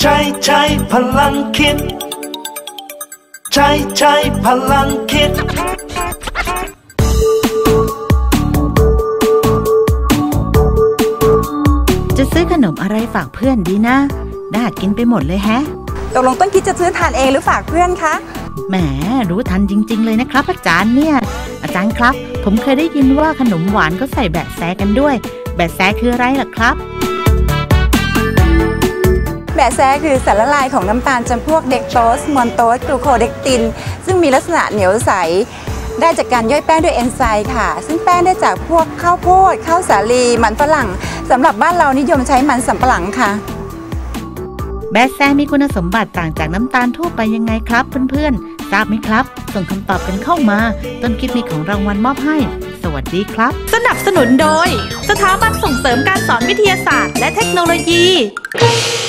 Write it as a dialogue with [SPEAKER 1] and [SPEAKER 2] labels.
[SPEAKER 1] ใช้พลังคิดใช้พลังคิด
[SPEAKER 2] จะซื้อขนมอะไรฝากเพื่อนดีนะน่ากินไปหมดเลยแฮะ
[SPEAKER 3] ตกลงต้นคิดจะซื้อทานเองหรือฝากเพื่อนคะ
[SPEAKER 2] แหมรู้ทันจริงๆเลยนะครับอาจารย์เนี่ยอาจารย์ครับผมเคยได้ยินว่าขนมหวานก็ใส่แบะแซกันด้วยแบะแซคืออะไรล่ะครับ
[SPEAKER 3] แบะแซคือสารละลายของน้ำตาลจำพวกเด็กโตสมอนโตสกลูโคเดกตินซึ่งมีลักษณะเหนียวใสได้จากการย่อยแป้งด้วยเอนไซม์ค่ะซึ่งแป้งได้จากพวกข้าวโพดข้าวสาลีมันฝรั่งสำหรับบ้านเรานิยมใช้มันสำปะหลังค่ะ
[SPEAKER 2] แบะแซมีคุณสมบัติต่างจากน้ำตาลทั่วไปยังไงครับเพื่อนๆทราบไหมครับส่งคำตอบกันเข้ามาต้นคิดมีของรางวัลมอบให้สวัสดีครับ
[SPEAKER 4] สนับสนุนโดยสถาบันส่งเสริมการสอนวิทยาศาสตร์และเทคโนโลยี